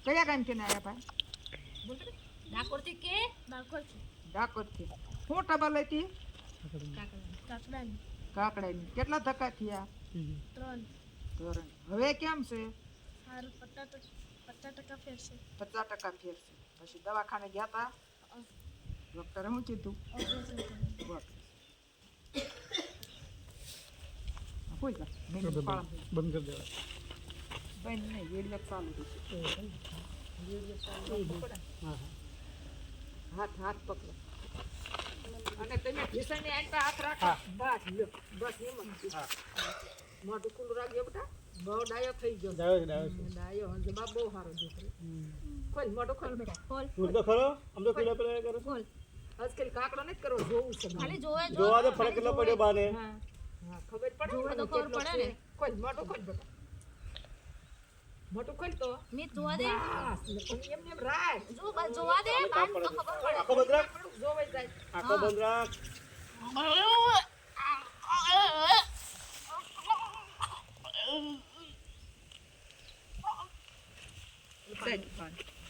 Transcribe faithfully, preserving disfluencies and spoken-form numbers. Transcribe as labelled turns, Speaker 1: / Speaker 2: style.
Speaker 1: કયા ગામથી ને આવ્યા ભાઈ?
Speaker 2: ડાકોરથી કે ડાકોરથી
Speaker 1: ડાકોરથી. હું ટબલ હતી?
Speaker 2: કાકડાની
Speaker 1: કાકડાની. કેટલા ધક્કા થયા?
Speaker 2: ત્રણ
Speaker 1: ધોરણ. હવે કેમ છે?
Speaker 2: સારું પચાસ પચાસ ટકા ફેરશે.
Speaker 1: પચાસ ટકા ફેર છે. પછી દવાખાને ગયા તા? ડોક્ટરે શું કીધું?
Speaker 2: ઓપરેશન કર્યું.
Speaker 1: કોઈ જા
Speaker 3: બંધ કરી દેવા.
Speaker 1: બંધ નહીં, વેડિયો ચાલુ રહેશે. વેડિયો ચાલુ રાખવો પડે.
Speaker 3: હા હા
Speaker 1: હાથ હાથ પકડો અને તમે ભીષણની આંટા હાથ રાખો. બસ લ્યો, બસ એમ જ.
Speaker 3: હા
Speaker 1: મોઢું ખુલ્લું રાખજો બેટા. બહુ ડાયો થઈ ગયો.
Speaker 3: ડાયો છે ડાયો છે.
Speaker 1: ડાયો હંજો બા બહુ સારો દીકરો. ખોલ મોઢું ખોલ બેટા. ખોલ.
Speaker 3: તું તો ખરો આમ તો પેલા પેલા કરે
Speaker 1: ખોલ. આજકાલ કાકડો નથી કરવો, જોવું છે.
Speaker 2: ખાલી જોવે જો
Speaker 3: જોવા દે ફરક કેટલો પડ્યો બાને.
Speaker 1: હા હા ખબર પડે
Speaker 2: જોવે
Speaker 1: ને
Speaker 2: તો ખબર
Speaker 1: કેટલો
Speaker 2: પડે
Speaker 1: છે.
Speaker 2: ને.
Speaker 1: ખોલ મોઢું ખોલ બેટા. મોઢું ખોલ તો.
Speaker 2: મી જોવા દે
Speaker 1: બસ એમ એમ રાખ.
Speaker 2: જો બસ જોવા દે બાન તો ખબર પડે.
Speaker 3: આખો બંધ રાખ
Speaker 1: જોવાઈ જાય.
Speaker 3: આખો બંધ રાખ.
Speaker 1: સાઈડ